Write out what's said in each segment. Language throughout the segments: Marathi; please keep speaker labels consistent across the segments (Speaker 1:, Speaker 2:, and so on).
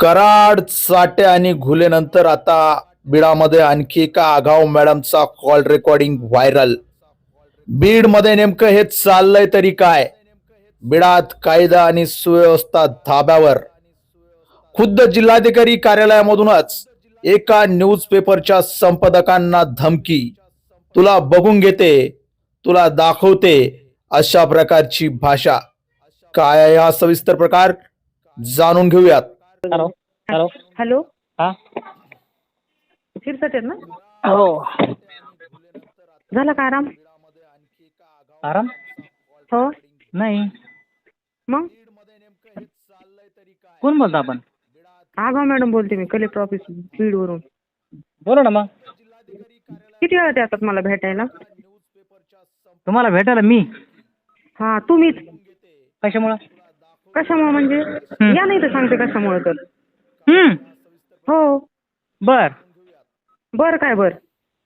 Speaker 1: कराड चाटे आणि घुलेनंतर आता बीडमध्ये आणखी एका आगाव मॅडमचा कॉल रेकॉर्डिंग व्हायरल. बीडमध्ये नेमकं हे चाललंय तरी काय? बीडात कायदा आणि सुव्यवस्था धाब्यावर. खुद्द जिल्हाधिकारी कार्यालयामधूनच एका न्यूजपेपरच्या संपादकांना धमकी. तुला बघून घेते, तुला दाखवते, अशा प्रकारची भाषा. काय आहे हा सविस्तर प्रकार जाणून घेऊयात.
Speaker 2: हॅलो हॅलो
Speaker 3: हॅलो,
Speaker 2: हा
Speaker 3: शिरसाट आहेत ना?
Speaker 2: हो.
Speaker 3: झाला का आराम?
Speaker 2: आराम
Speaker 3: हो.
Speaker 2: नाही.
Speaker 3: मग
Speaker 2: कोण बोलता आपण?
Speaker 3: आगाव मॅडम बोलते मी, कलेक्टर ऑफिस बीड वरून.
Speaker 2: बोला ना. मग
Speaker 3: किती वेळा येतात मला भेटायला?
Speaker 2: तुम्हाला भेटायला मी?
Speaker 3: हा, तुम्हीच.
Speaker 2: कशामुळं?
Speaker 3: कशामुळे म्हणजे? या नाही तर सांगते कशामुळे तर. हो.
Speaker 2: बर
Speaker 3: बर काय बर?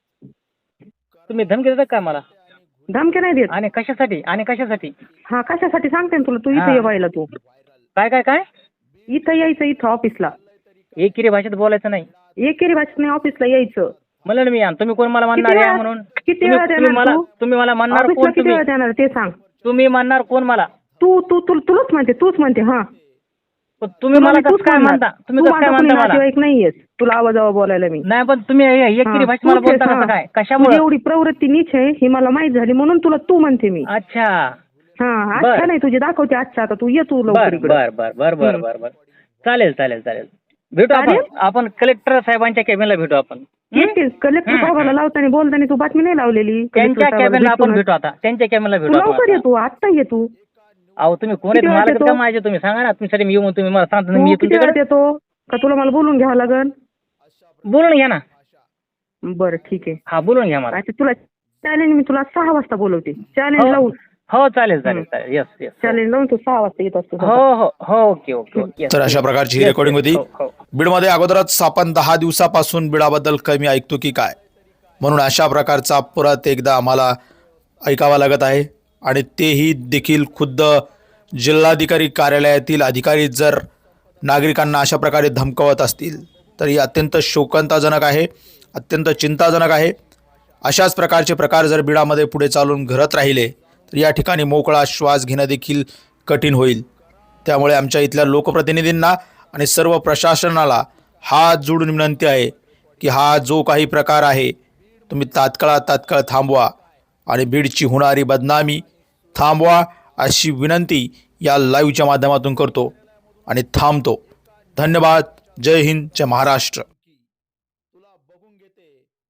Speaker 2: तुम्ही धमकी देता काय मला?
Speaker 3: धमकी नाही देत.
Speaker 2: आणि कशासाठी? आणि कशासाठी?
Speaker 3: हा, कशासाठी सांगते ना तुला. तू
Speaker 2: हा.
Speaker 3: इथे ये व्हायला. तू
Speaker 2: काय काय काय?
Speaker 3: इथं यायचं, इथं ऑफिसला.
Speaker 2: एकेरी भाषेत बोलायचं नाही.
Speaker 3: एकेरी भाषेत नाही, ऑफिसला यायचं.
Speaker 2: म्हणलं ना मी या. तुम्ही कोण मला
Speaker 3: किती
Speaker 2: म्हणणार या
Speaker 3: वेळा-
Speaker 2: म्हणून?
Speaker 3: किती वेळा देणार तू?
Speaker 2: तुम्ही मला म्हणणार
Speaker 3: ऑफिसला
Speaker 2: कोण?
Speaker 3: किती
Speaker 2: तुम्ही
Speaker 3: वेळा देणार ते सांग.
Speaker 2: तुम्ही म्हणणार कोण मला?
Speaker 3: तुलाच म्हणते, तूच म्हणते. हा,
Speaker 2: पण तुम्ही मला कसं काय म्हणता? तुम्ही कसं काय म्हणता मला?
Speaker 3: नातेवाईक नाहीयेस, तुला आवाजावा बोलायला मी.
Speaker 2: नाही, पण तुम्ही एकेरी भाषेत मला बोलता कसं काय?
Speaker 3: तुझी
Speaker 2: कशामुळे?
Speaker 3: एवढी प्रवृत्ती नीच आहे ही मला माहित झाली, म्हणून तुला तू म्हणते मी.
Speaker 2: अच्छा.
Speaker 3: हा,
Speaker 2: बर.
Speaker 3: अच्छा नाही, तुझी दाखवते. अच्छा, आता तू ये, तू लवकर
Speaker 2: बर
Speaker 3: इकडे.
Speaker 2: बर बर बर बर बर बर चालेल चालेल चालेल. भेटू आपण.
Speaker 3: चालेल?
Speaker 2: आपण कलेक्टर साहेबांच्या केबिनला भेटू आपण.
Speaker 3: येतेस कलेक्टर साहेबाला लावताना बोलताना तू बातमी नाही लावलेली?
Speaker 2: त्यांच्या
Speaker 3: कलेक्टर साहेबाला
Speaker 2: केबिनला आपण
Speaker 3: भेटूनच.
Speaker 2: भेटू आता. त्यांच्या केबिनला
Speaker 3: तू
Speaker 2: भेटू
Speaker 3: लवकर ये,
Speaker 2: आपण.
Speaker 3: तू आत्ता ये. तू
Speaker 2: अहो तुम्ही कोण
Speaker 3: किती
Speaker 2: आहेत?
Speaker 3: वेळात
Speaker 2: मला
Speaker 3: येतो?
Speaker 2: का माझे तुम्ही सांगा ना. तुमच्यासाठी मी येऊन तुम्ही मला सांगता ना,
Speaker 3: तू
Speaker 2: मी
Speaker 3: किती वेळात
Speaker 2: तुमच्याकडे
Speaker 3: येतो का? तुला मला बोलून घ्यावं लागल.
Speaker 2: बोलून घ्या ना.
Speaker 3: बरं ठीक आहे.
Speaker 2: हा, बोलून घ्या मला.
Speaker 3: आता तुला चॅलेंज मी तुला 6 वाजता बोलवते. चॅलेंज
Speaker 2: हो.
Speaker 3: लावून
Speaker 2: हो चालेल चालेल चालेल. Yes yes.
Speaker 3: चॅलेंज लावून तू 6 वाजता येत असतो.
Speaker 2: हो हो हो. Okay okay okay. Yes,
Speaker 1: तर अशा
Speaker 2: yes.
Speaker 1: प्रकारची ही
Speaker 2: Yes,
Speaker 1: रेकॉर्डिंग
Speaker 2: yes.
Speaker 1: होती.
Speaker 2: हो, हो.
Speaker 1: बीडमध्ये अगोदरच आपण 10 दिवसापासून बीडाबद्दल कमी ऐकतो की काय, म्हणून अशा प्रकारचा परत एकदा आम्हाला ऐकावा लागत आहे. आणि तेही देखील खुद्द जिल्हाधिकारी कार्यालयातील अधिकारी जर नागरिकांना अशा प्रकारे धमकावत असतील तर ही अत्यंत शोकांताजनक आहे, अत्यंत चिंताजनक आहे. अशाच प्रकारचे प्रकार जर बीडामध्ये पुढे चालून घडत राहिले तर या ठिकाणी मोकळा श्वास घेणं देखील कठीण होईल. त्यामुळे आमच्या इथल्या लोकप्रतिनिधींना आणि सर्व प्रशासनाला हात जोडून विनंती आहे की हा जो काही प्रकार आहे तुम्ही तात्काळ थांबवा आणि बीडची होणारी बदनामी थांबवा, अशी विनंती या लाईव्हच्या माध्यमातून करतो आणि थांबतो. धन्यवाद. जय हिंद, जय महाराष्ट्र.